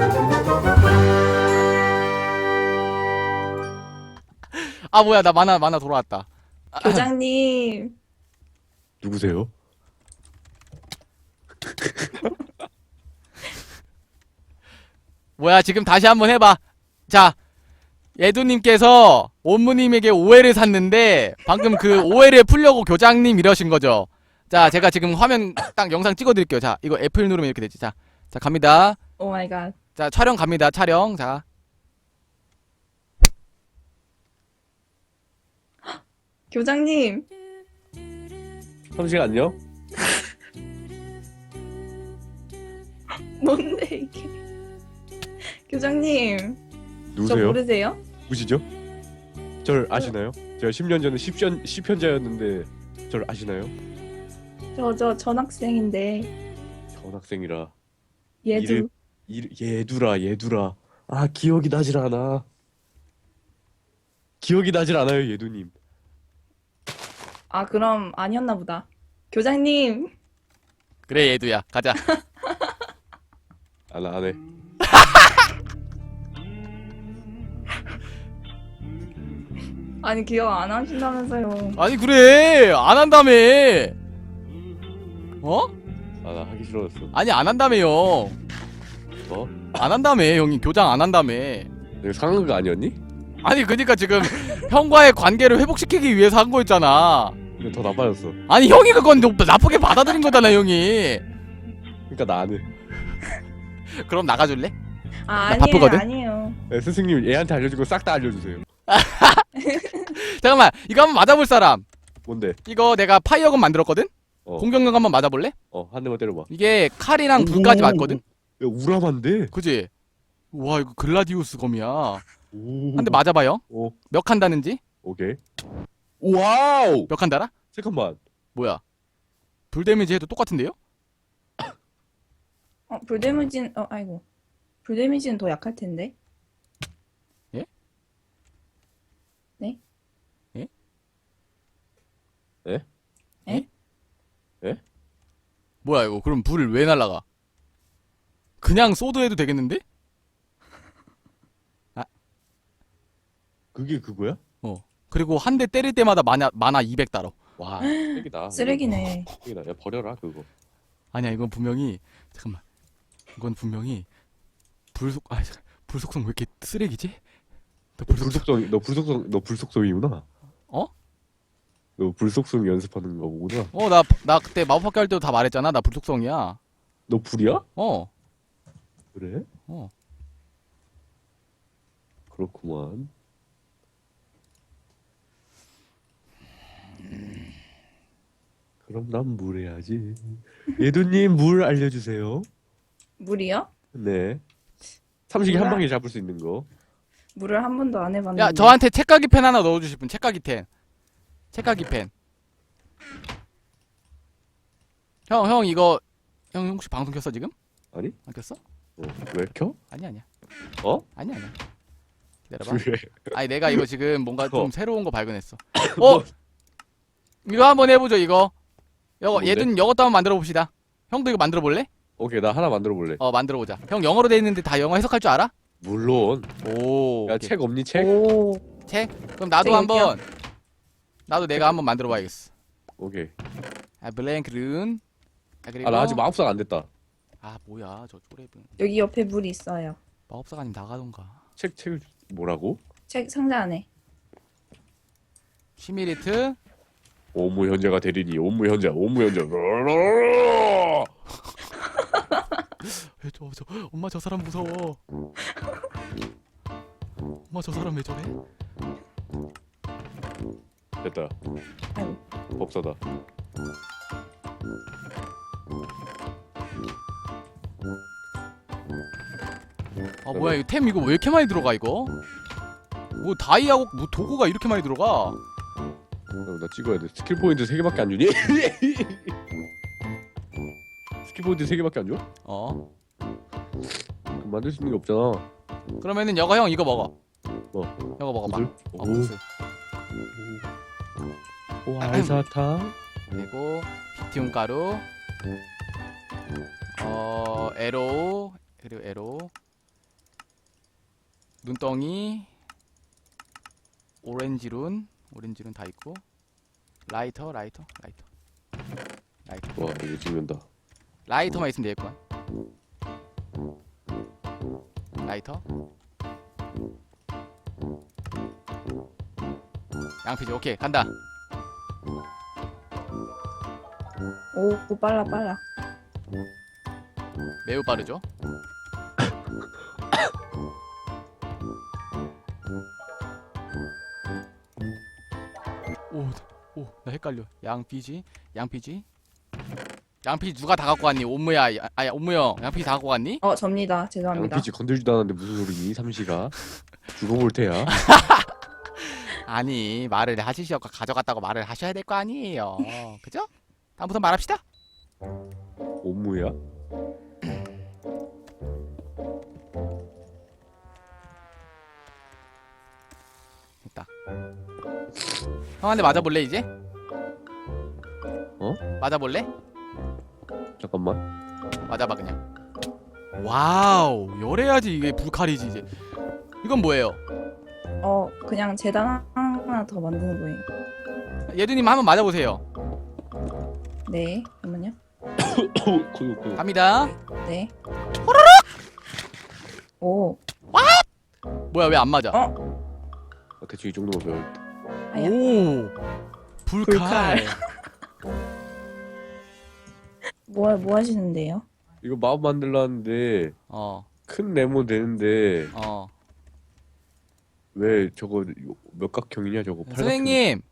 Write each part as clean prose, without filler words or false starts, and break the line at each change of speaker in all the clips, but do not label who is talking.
아 뭐야 나 만화 돌아왔다.
교장님.
누구세요?
뭐야 지금 다시 한번 해봐. 자 예두님께서 원무님에게 오해를 샀는데 방금 그 오해를 풀려고 교장님 이러신 거죠. 자 제가 지금 화면 딱 영상 찍어드릴게요. 자 이거 F1 누르면 이렇게 되지. 자 갑니다.
오 마이 갓.
자 촬영 갑니다. 촬영. 자
교장님.
삼식 안녕?
뭔데 이게? 교장님. 저
누구세요?
모르세요?
누구시죠? 절 아시나요? 제가 10년 전에 10현자였는데 절 아시나요?
저 전학생인데.
전학생이라
얘도.
얘두라 아 기억이 나질 않아. 기억이 나질 않아요 예두님.
아 그럼 아니었나 보다. 교장님.
그래 예두야 가자.
아 나 안해.
아니 기억 안 하신다면서요.
아니 그래 안 한다며. 어?
아 나 하기 싫어졌어.
아니 안 한다며요.
어?
안 한다며 형이 교장 안 한다며.
내가 상한 거 아니었니?
아니 그니까 지금 형과의 관계를 회복시키기 위해서 한 거였잖아.
근데 더 나빠졌어.
아니 형이 그건 나쁘게 받아들인 거잖아 형이.
그러니까 나 안 해.
그럼 나가줄래?
아
나
아니에요
바쁘거든?
아니에요.
네, 스승님 애한테 알려준 거 싹 다 알려주세요.
잠깐만 이거 한번 맞아볼 사람.
뭔데?
이거 내가 파이어건 만들었거든?
어.
공격력 한번 맞아볼래?
한 대만 때려봐.
이게 칼이랑 불까지 맞거든?
야 우람한데?
그지? 와 이거 글라디우스 검이야.
오.
한 대 맞아봐요.
오.
몇 칸 다는지?
오케이. 와우.
몇 칸 달아?
잠깐만.
뭐야? 불 데미지 해도 똑같은데요?
불 데미지는 아이고. 불 데미지는 더 약할 텐데.
예?
네?
예?
예?
예?
예?
뭐야 이거 그럼 불 왜 날라가? 그냥 소드 해도 되겠는데?
그게 그거야?
그리고 한 대 때릴 때마다 만화 200 달어.
와, 쓰레기다.
쓰레기네.
쓰레기다. 야 버려라 그거.
아니야 이건 분명히 잠깐만. 이건 분명히 불속성 왜 이렇게 쓰레기지? 나
너 불속성이구나.
어?
너 불속성 연습하는 거구나.
나 그때 마법학교 할 때도 다 말했잖아. 나 불속성이야.
너 불이야?
어.
그래?
어.
그렇구만. 그럼 난 물 해야지. 예두님 물 알려주세요.
물이요?
네. 삼식이 한
몰라.
방에 잡을 수 있는 거.
물을 한 번도 안 해봤는데.
야 저한테 책가기 펜 하나 넣어주실 분. 책가기 펜. 책가기 펜. 형 이거 형 혹시 방송 켰어 지금?
아니?
안 켰어?
왜 켜?
아니야.
어?
아니야. 기다려봐.
왜?
아니 내가 이거 지금 뭔가 좀
어.
새로운 거 발견했어. 이거 한번 해보죠 이거.
뭔데?
얘든 이것도 한번 만들어 봅시다. 형도 이거 만들어 볼래?
오케이 나 하나 만들어 볼래.
만들어 보자. 형 영어로 돼 있는데 다 영어 해석할 줄 알아?
물론.
오.
야
오케이.
책 없니 책?
오.
책? 그럼 나도
책
한번 나도 내가 한번 만들어 봐야겠어.
오케이.
블랭크 룬. 그리고
아 나 아직 마법사가 안 됐다.
뭐야 저 쪼레분.
여기 옆에 물이 있어요.
마법사가 아니면 나가던가.
책을 뭐라고?
책 상자 안에.
쉬미리트.
오무 현자가 되리니 오무 현자.
저 엄마 저 사람 무서워. 엄마 저 사람 왜 저래?
됐다.
아이고.
법사다.
뭐야 이거 템 이거 왜 이렇게 많이 들어가 이거? 뭐 다이아고 뭐 도구가 이렇게 많이 들어가?
나 찍어야 돼. 스킬 포인트 3개밖에 안 주니? 스킬 포인트 3개밖에 안 줘? 그럼 만들 수 있는 게 없잖아.
그러면은 여거 형 이거 먹어.
뭐?
이거 먹어봐.
무술?
무술.
오, 알사탕.
그리고 비티움 가루. 에로우. 그리고 에로우. 눈덩이, 오렌지 룬 다 있고, 라이터.
와 이거 찍는다.
라이터만 있으면 되겠구만. 라이터. 양피지 오케이 간다.
오, 빨라.
매우 빠르죠. 나 헷갈려. 양피지 누가 다 갖고 왔니? 옴무야, 옴무형, 양피지 다 갖고 왔니?
접니다. 죄송합니다.
양피지 건들지도 않았는데 무슨 소리니? 삼시가 죽어볼 테야.
아니 말을 하시셔서 가져갔다고 말을 하셔야 될 거 아니에요. 그죠? 다음부터 말합시다.
옴무야?
됐다. 형한테 맞아볼래 이제?
어?
맞아볼래?
잠깐만.
맞아봐 그냥. 와우 열해야지 이게 불칼이지 이제. 이건 뭐예요?
그냥 재단 하나 더 만드는 거예요.
예두님 한번 맞아보세요.
네, 잠깐만요.
고요.
갑니다.
네. 오,
뭐야 왜 안 맞아?
대충 이 정도만 배웠다.
아야.
오 불칼.
뭐 하시는데요?
이거 마법 만들라는데
어.
큰 네모 되는데
어.
왜 저거 몇각형이냐 저거?
선생님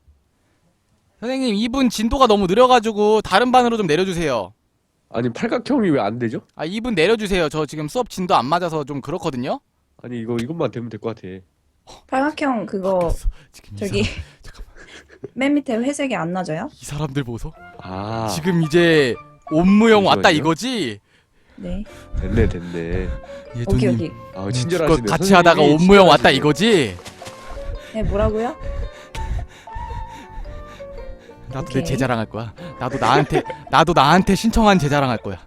이분 진도가 너무 느려가지고 다른 반으로 좀 내려주세요.
아니 팔각형이 왜 안 되죠?
아 이분 내려주세요. 저 지금 수업 진도 안 맞아서 좀 그렇거든요.
아니 이것만 되면 될 것 같아.
팔각형 그거
지금
저기
잠깐만.
맨 밑에 회색이 안 나져요?
이 사람들 보소.
아
지금 이제 옴무형 왔다
잠시만요.
이거지?
네.
됐네.
오케이.
예두님
아 친절하시네.
같이 하다가
선생님이
옴무형 왔다
친절하시네.
이거지?
네, 뭐라고요?
나도
오케이.
내 제자랑 할 거야. 나도 나한테 신청한 제자랑 할 거야.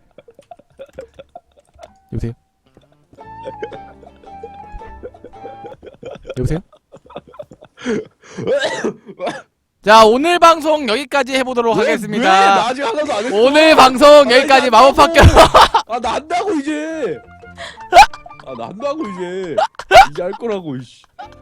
여보세요? 여보세요? 자 오늘 방송 여기까지 해보도록
왜 나
하겠습니다.
아직 하나도 안 했어.
오늘 방송 여기까지 마법학교.
아나 한다고 이제. 나 한다고 이제 할 거라고. 이씨.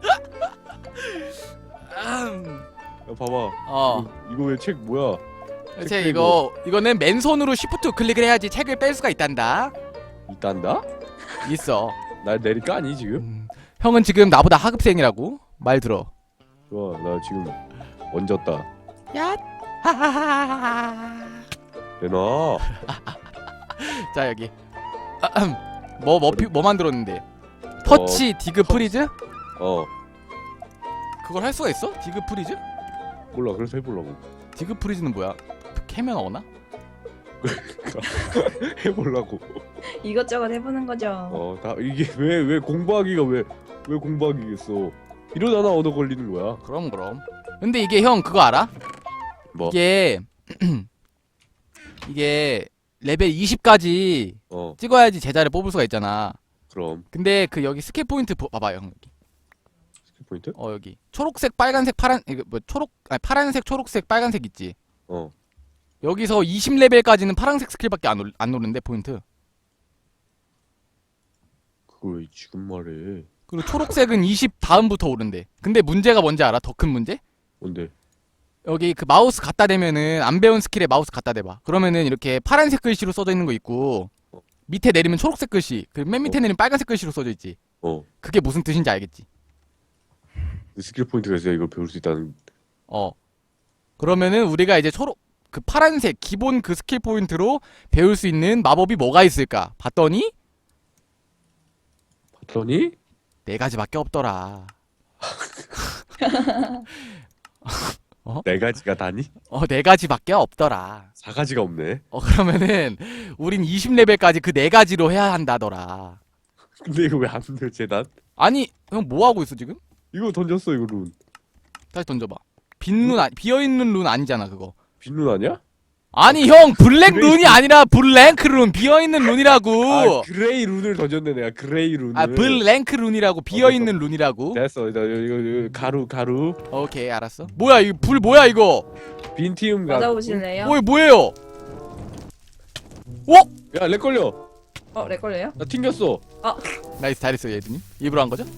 야 봐봐. 이거 왜 책 뭐야?
대체
책
이거는 맨손으로 쉬프트 클릭을 해야지 책을 뺄 수가 있단다.
있단다?
있어.
나 내릴 거 아니 지금?
형은 지금 나보다 하급생이라고 말 들어.
좋아 나 지금 얹었다.
야. 하하하하.
내놔.
자 여기 뭐 만들었는데? 터치 디그 프리즈? 그걸 할 수가 있어? 디그 프리즈?
몰라 그래서 해보려고.
디그 프리즈는 뭐야? 캐면 어나?
해보려고.
이것저것 해보는 거죠.
다 이게 왜 공부하기가 왜 공부하기겠어. 이러다가 얻어 걸리는 거야.
그럼. 근데 이게 형 그거 알아?
뭐?
이게 레벨 20까지 찍어야지 제자를 뽑을 수가 있잖아.
그럼
근데 그 여기 스킬 포인트 봐봐요 형 여기.
스킬 포인트?
여기 초록색 빨간색 파란 이거 뭐 파란색 초록색 빨간색 있지. 여기서 20레벨까지는 파란색 스킬밖에 안 오른대 포인트.
그걸 왜 지금 말해?
그리고 초록색은 20 다음부터 오른대. 근데 문제가 뭔지 알아? 더 큰 문제?
뭔데?
여기 그 마우스 갖다 대면은 안 배운 스킬에 마우스 갖다 대봐. 그러면은 이렇게 파란색 글씨로 써져 있는 거 있고 밑에 내리면 초록색 글씨, 그 맨 밑에 내리면 빨간색 글씨로 써져 있지. 그게 무슨 뜻인지 알겠지?
그 스킬 포인트가 있어야 이걸 배울 수 있다는.
그러면은 우리가 이제 그 파란색 기본 그 스킬 포인트로 배울 수 있는 마법이 뭐가 있을까? 봤더니 4가지밖에 없더라.
4가지가 다니?
4가지밖에 없더라.
4가지가 없네.
그러면은 우린 20레벨까지 그 4가지로 해야 한다더라.
근데 이거 왜 안 돼, 재단?
아니, 형 뭐 하고 있어 지금?
이거 던졌어 이거 룬.
다시 던져봐. 비어있는 룬 아니잖아 그거.
빈룬 아니야?
아니 형 블랙
그레이
룬이 아니라 블랭크 룬 비어있는
아
룬이라고.
그레이 룬을 던졌네 내가 그레이 룬을.
아 블랭크 룬이라고 비어있는 룬이라고.
됐어. 나 이거 가루
오케이 알았어. 뭐야 이거 불 뭐야 이거?
빈티움 가루.
맞아보실래요?
뭐예요?
야렉 걸려.
렉 걸려요?
나 튕겼어.
나이스 잘했어요 예드님. 일부러 한 거죠?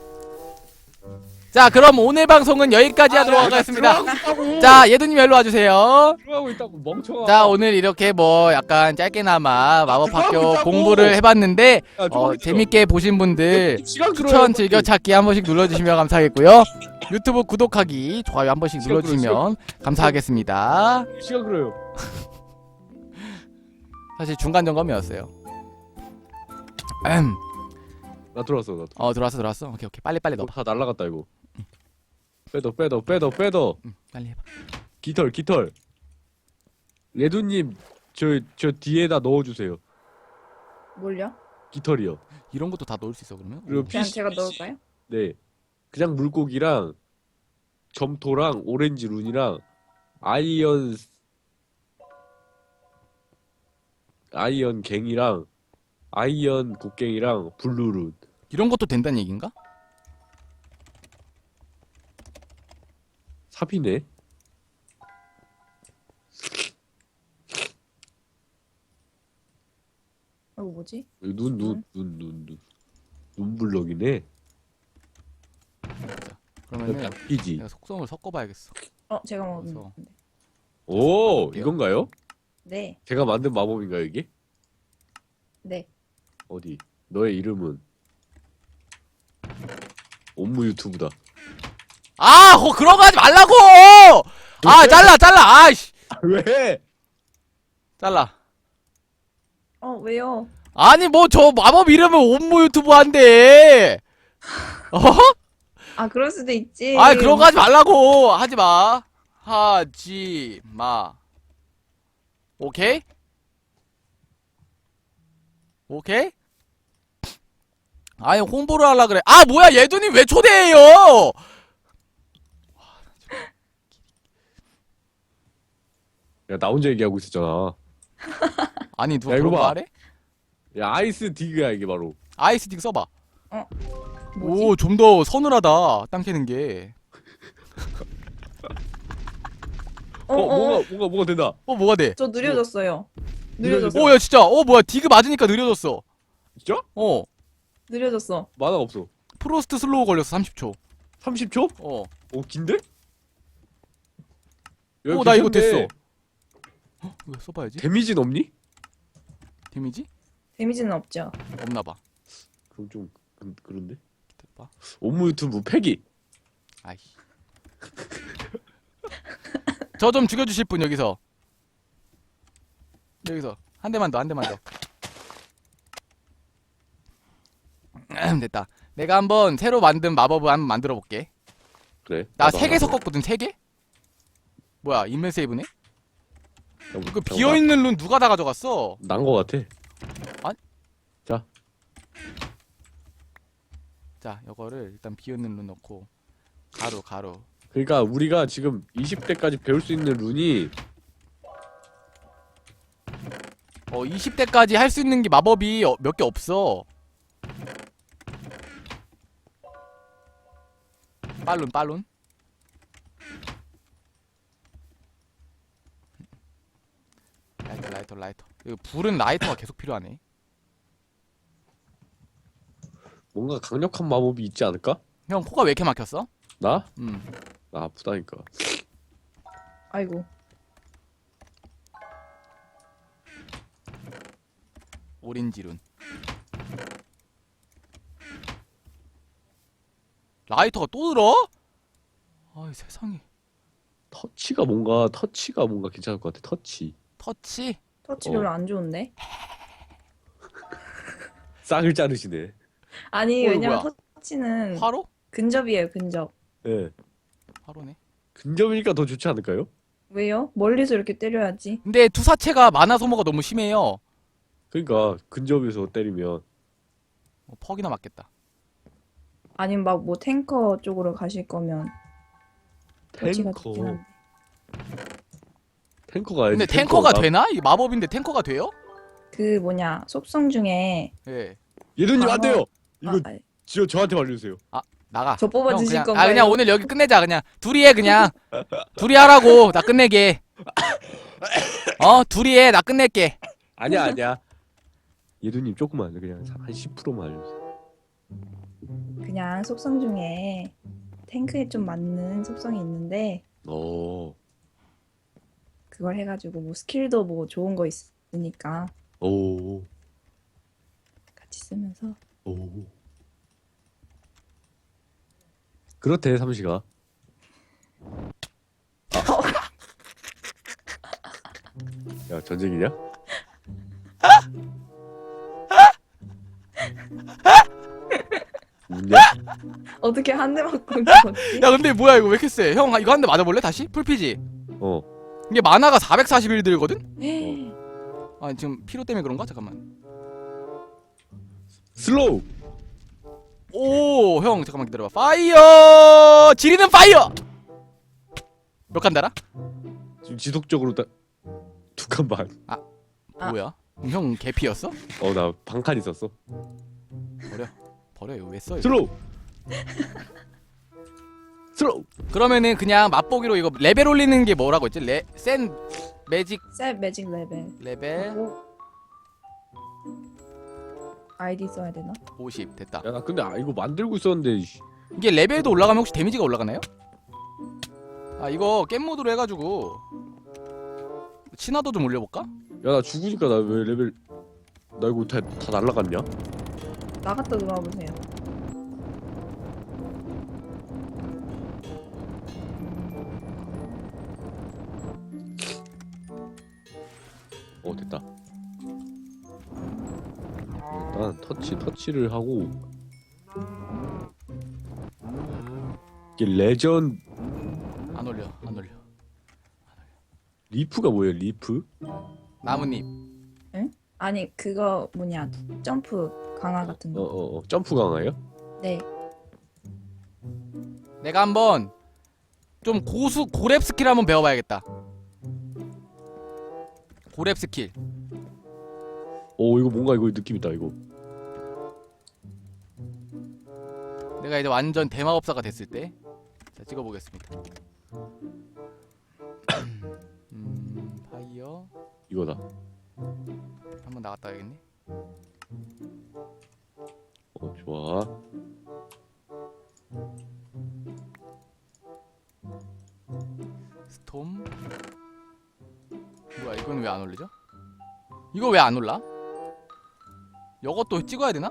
자 그럼 오늘 방송은 여기까지 하도록 하겠습니다. 자 예드님 일로 와주세요.
들어가고 있다고 멍청아.
자 오늘 이렇게 뭐 약간 짧게나마 마법학교
들어가고 있다고.
공부를 해봤는데
야, 좀 있어.
재밌게 보신 분들
시간
추천
끌어요,
즐겨찾기 한 번씩 눌러주시면 감사하겠고요. 유튜브 구독하기 좋아요 한 번씩
시간
눌러주시면 감사하겠습니다.
시간 끌어요.
사실 중간 점검이었어요.
나 들어왔어.
들어왔어. 오케이 빨리 넣어.
다 날라갔다 이거. 빼더.
빨리 해봐.
깃털. 레두님 저 뒤에다 넣어주세요.
뭘요?
깃털이요.
이런 것도 다 넣을 수 있어 그러면?
그리고
그냥
피시,
제가 넣을까요?
네. 그냥 물고기랑 점토랑 오렌지 룬이랑 아이언 갱이랑 아이언 곡갱이랑 블루 룬.
이런 것도 된다는 얘긴가?
삽이네.
이거 뭐지?
눈블럭이네.
그러면은
이지.
내가 속성을 섞어봐야겠어.
제가
그래서.
먹었는데.
오
어때요?
이건가요?
네.
제가 만든 마법인가요 이게?
네.
어디? 너의 이름은 옴무 유튜브다.
그런 거 하지 말라고! 잘라! 아이씨!
왜?
잘라.
왜요?
아니, 뭐, 저 마법 이름은 옴모 유튜브 한대!
그럴 수도 있지.
그런 거 하지 말라고! 하지 마. 하지 마. 오케이? 오케이? 아니, 홍보를 하려 그래. 뭐야, 예두님 왜 초대해요!
야 나 혼자 얘기하고 있었잖아.
아니, 누가
야, 이거
그런 거
봐.
하래?
야 아이스 디그야 이게 바로.
아이스틱 써봐.
뭐지?
오, 좀 더 서늘하다. 땅 캐는 게.
뭐가 된다.
뭐가 돼?
저 느려졌어요.
느려졌어요?
느려졌어.
야, 진짜. 뭐야, 디그 맞으니까 느려졌어.
진짜?
느려졌어.
만화가 없어.
프로스트 슬로우 걸렸어, 30초.
30초? 오 긴데? 야,
나 이거
괜찮네.
됐어. 이거 써봐야지.
데미지는 없니?
데미지?
데미지는 없죠.
없나봐.
그럼 좀 그런데?
기다려봐.
옴무 유튜브 폐기.
아이씨. 저 좀 죽여주실 분, 여기서. 한 대만 더. 됐다. 내가 한번 새로 만든 마법을 한번 만들어 볼게.
그래.
나
나도
3개
하나.
섞었거든, 3개? 뭐야, 인맨 세이브네?
야,
그 비어있는 룬 누가 다 가져갔어?
난거 같아.
자, 이거를 일단 비어있는 룬 넣고 가루.
그러니까 우리가 지금 20대까지 배울 수 있는 룬이
20대까지 할 수 있는 게 마법이 몇 개 없어. 빨룬. 라이터. 이거 불은 라이터가 계속 필요하네.
뭔가 강력한 마법이 있지 않을까?
형, 코가 왜 이렇게 막혔어?
나? 나 아프다니까.
아이고.
오렌지 룬. 라이터가 또 들어? 아이 세상에.
터치가 뭔가 괜찮을 것 같아. 터치.
터치?
터치 별로 안 좋은데?
싹을 자르시네.
아니, 왜냐면
뭐야?
터치는
화로?
근접이에요, 근접.
예.
화로네.
근접이니까 더 좋지 않을까요?
왜요? 멀리서 이렇게 때려야지.
근데 투사체가 마나 소모가 너무 심해요.
그러니까 근접에서 때리면
퍽이나 맞겠다.
아니면 막 뭐 탱커 쪽으로 가실 거면 터치가
탱커.
좋긴 한데.
탱커가
근데 탱커가 되나? 이 마법인데 탱커가 돼요?
그 뭐냐 속성 중에
예.
예두님 안 돼요. 이거
아,
저한테 말려주세요.
나가.
저 뽑아주실
형, 그냥,
건가요?
그냥 오늘 여기 끝내자. 그냥 둘이 해 그냥. 둘이 하라고. 나 끝내게. 둘이 해. 나 끝낼게.
아니야. 예두님 조금만 그냥 한 10%만 알려주세요.
그냥 속성 중에 탱크에 좀 맞는 속성이 있는데
오.
그걸 해가지고 뭐 스킬도 뭐 좋은 거 있으니까
오.
같이 쓰면서
오. 그렇대 삼시가. 야 전쟁이냐? 웃냐?
어떻게 한 대 맞고 죽었지?
야 근데 뭐야 이거 왜 이렇게 세? 형 이거 한 대 맞아볼래? 다시? 풀피지?
어.
이게 만화가 441 들거든?
에이,
아 지금 피로 때문에 그런가? 잠깐만.
슬로우.
오, 형 잠깐만 기다려봐. 파이어! 지리는 파이어! 몇 칸 달아?
지금 지속적으로 두 칸 반.
아.
뭐야? 그럼 형 개피였어?
나 반칸 있었어.
버려 이거 왜 써? 이거?
슬로우. 슬로우.
그러면은 그냥 맛보기로 이거 레벨 올리는 게 뭐라고 했지? 센 매직
셀 매직 레벨
레벨
하고 아이디 써야 되나?
50 됐다.
야 나 근데 이거 만들고 있었는데.
이게 레벨도 올라가면 혹시 데미지가 올라가나요? 아 이거 겜 모드로 해가지고 친화도 좀 올려볼까?
야 나 죽으니까 나 왜 레벨 나 이거 다 날라갔냐?
나갔다 들어와 보세요.
됐다. 일단 터치를 하고 이게 레전
안 올려.
리프가 뭐예요? 리프?
나뭇잎.
아니 그거 뭐냐 점프 강화 같은 거.
점프 강화예요?
네.
내가 한번 좀 고렙 스킬 한번 배워봐야겠다. 고렙 스킬.
이거 뭔가 이거 느낌 있다 이거.
내가 이제 완전 대마법사가 됐을 때, 자 찍어보겠습니다. 파이어
이거다.
한번 나갔다 와야겠네.
좋아.
스톰. 뭐야 이건 왜 안 올리죠? 이거 왜 안 올라? 이것도 찍어야 되나?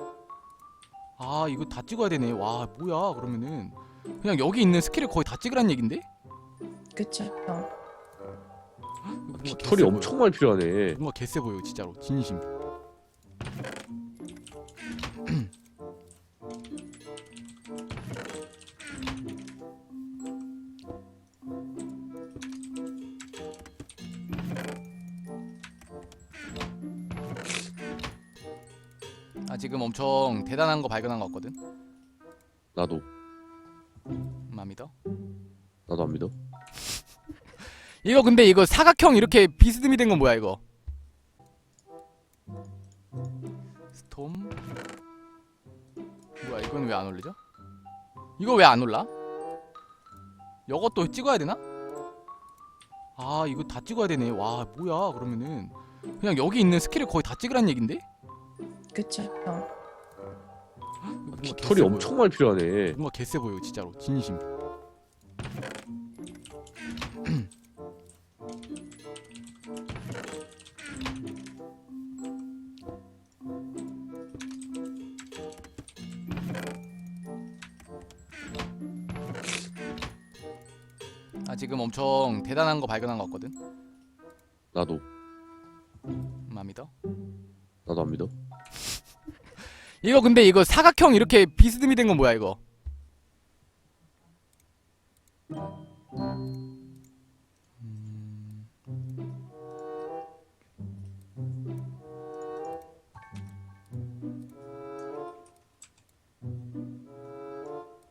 아 이거 다 찍어야 되네. 와 뭐야 그러면은 그냥 여기 있는 스킬을 거의 다 찍으란 얘긴데?
그쵸.
이거 뭔가
깃털이
개쎄
엄청 많이 필요하네.
보여. 뭔가 개쎄 보여 진짜로 진심. 아 지금 엄청 대단한 거 발견한 거 같거든.
나도
안 믿어?
안 믿어.
이거 근데 이거 사각형 이렇게 비스듬히 된 건 뭐야 이거? 스톰. 뭐야 이건 왜 안 올리죠? 이거 왜 안 올라? 이것도 찍어야 되나? 아 이거 다 찍어야 되네. 와 뭐야 그러면은 그냥 여기 있는 스킬을 거의 다 찍으란 얘긴데?
그쵸.
이거 뭔가
깃털이
개쎄
엄청
보여.
많이 필요하네.
뭔가 개쎄 보여 진짜로 진심. 아 지금 엄청 대단한 거 발견한 거 같거든.
나도
안 믿어?
안 믿어.
이거 근데 이거 사각형 이렇게 비스듬히 된 건 뭐야 이거?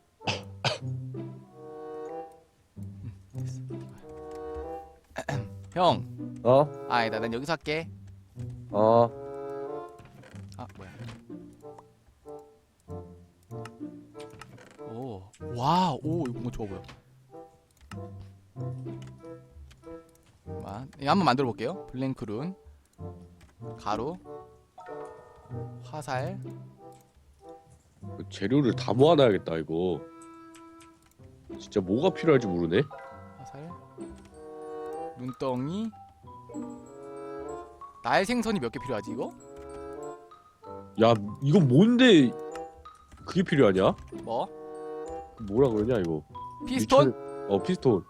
됐어. 형.
어?
아니다, 난 여기서 할게.
어?
아, 뭐야. 오, 와, 오, 이거 뭔가 좋아 보여. 이거 한번 만들어 볼게요. 블랭크룬, 가루, 화살.
재료를 다 모아놔야겠다 이거. 진짜 뭐가 필요할지 모르네.
화살, 눈덩이. 날 생선이 몇 개 필요하지 이거?
야 이건 뭔데 그게 필요하냐?
뭐?
뭐라 그러냐 이거.
피스톤?
피스톤.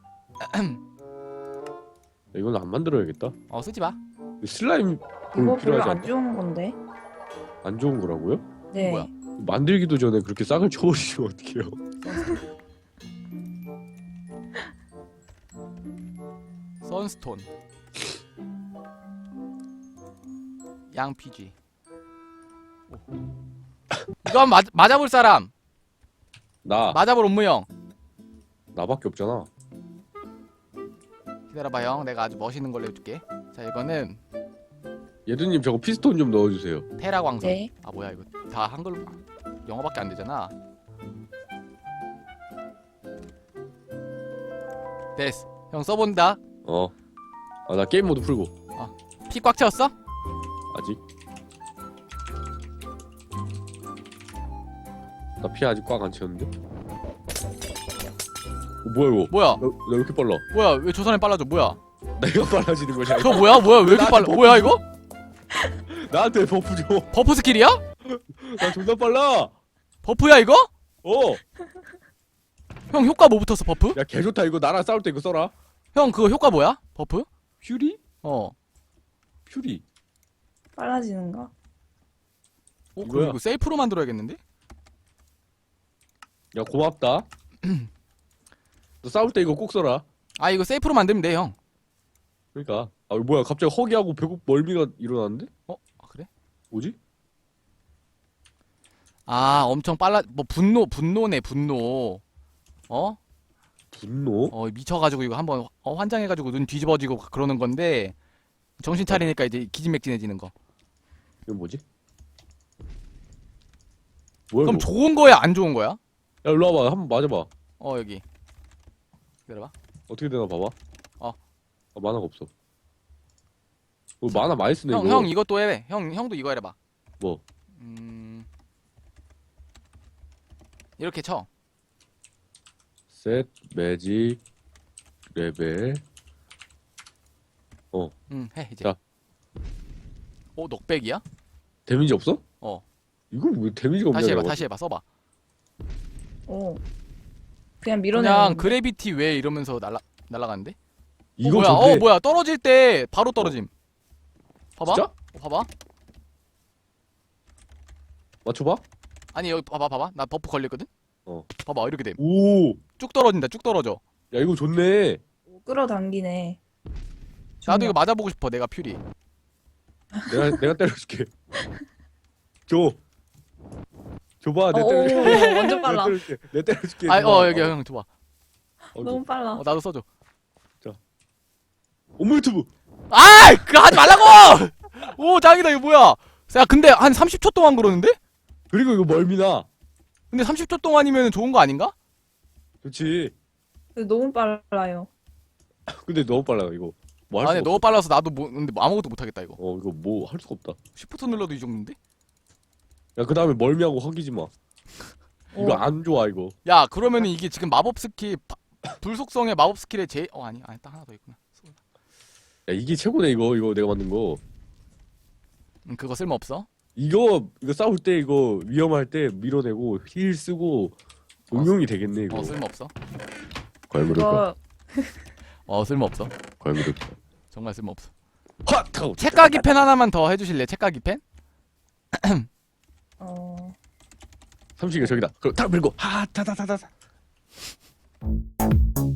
야, 이건 안 만들어야겠다.
쓰지 마.
슬라임
이거 별로
필요하지
안
않나?
좋은 건데.
안 좋은 거라고요?
네.
뭐야?
만들기도 전에 그렇게 싹을 쳐버리시면 어떡해요?
선스톤. 양피지. 이거 한번 맞아볼 사람. 맞아볼 옴무형.
나밖에 없잖아.
기다려봐 형. 내가 아주 멋있는 걸로 해줄게. 자, 이거는
예두님 저거 피스톤 좀 넣어주세요.
테라 광선.
네.
아 뭐야 이거 다 한글 영어밖에 안 되잖아. 됐어. 형 써본다.
나 게임 모드 풀고.
피 꽉 채웠어?
아직. 나 피 아직 꽉 안 채웠는데? 뭐야 이거?
뭐야?
나 왜 이렇게 빨라?
뭐야? 왜 저 사람이 빨라져? 뭐야?
내가 빨라지는 거냐?
저 뭐야? 뭐야? 왜 이렇게 빨라? 뭐야 이거?
나한테 버프 줘.
버프 스킬이야?
나 존나 빨라.
버프야 이거?
어.
형 효과 뭐 붙었어 버프?
야 개 좋다 이거. 나랑 싸울 때 이거 써라.
형 그거 효과 뭐야? 버프?
퓨리? 퓨리.
빨라지는가?
그럼
이거야.
이거 세이프로 만들어야겠는데?
야 고맙다. 너 싸울 때 이거 꼭 써라.
아 이거 세이프로 만들면 돼 형.
그러니까. 아 뭐야 갑자기 허기하고 배고 멀미가 일어났는데?
그래?
뭐지?
아 엄청 빨라. 뭐 분노네 분노.
분노?
미쳐가지고 이거 한번 환장해가지고 눈 뒤집어지고 그러는 건데 정신 차리니까 이제 기진맥진해지는 거.
이건 뭐지? 뭐야
그럼
이거?
좋은 거야 안 좋은 거야?
야 일로 와봐. 한번 맞아봐.
여기. 기다려봐.
어떻게 되나 봐봐.
어.
만화가 없어. 만화 많이 쓰네 이거.
형 이것도 해. 형도 이거 해봐.
뭐?
이렇게 쳐.
셋 매직 레벨.
해 이제.
자.
넉백이야?
데미지 없어? 이거 왜 데미지가 없냐?
다시 해봐.
내가
다시 해봐. 써봐.
오. 그냥 밀어내는
그냥
건데.
그래비티 왜 이러면서 날아가는데?
이거
뭐야?
좋대.
뭐야? 떨어질 때 바로 떨어짐. 봐봐.
진짜?
봐봐.
맞춰봐.
아니 여기 봐봐. 나 버프 걸렸거든. 봐봐 이렇게 됨.
오.
쭉 떨어진다. 쭉 떨어져.
야 이거 좋네.
끌어당기네.
나도 이거 맞아보고 싶어. 내가 퓨리.
내가 때려줄게. 줘. 줘봐. 내
오,
때려줄게.
완전 빨라.
내 때려줄게.
여기 형 줘봐.
너무 빨라.
나도 써줘.
엄마 유튜브.
그거 하지 말라고! 오, 짱이다, 이거 뭐야? 야, 근데 한 30초 동안 그러는데?
그리고 이거 멀미나.
근데 30초 동안이면 좋은 거 아닌가?
그렇지.
근데 너무 빨라요.
근데 너무 빨라 이거. 뭐 할
아니,
수가
너무 빨라서 나도 근데 아무것도 못하겠다, 이거.
없어. 이거 뭐 할 수가 없다.
시프트 눌러도 이 정도인데?
야 그 다음에 멀미하고 허기지 마. 이거 안 좋아 이거.
야, 그러면은 이게 지금 마법 스킬, 불속성의 마법 스킬의 아니, 딱 하나 더 있구나.
야 이게 최고네 이거 내가 만든 거.
그거 쓸모없어?
이거 싸울 때 이거 위험할 때 밀어내고 힐 쓰고 응용이 되겠네 이거.
쓸모없어?
걸그룹가.
이거
쓸모없어.
걸그룹.
정말 쓸모없어.
핫 하고.
책가기 펜 하나만 더 해주실래? 책가기 펜?
삼식이 저기다. 그럼 탁 밀고 하타타타타.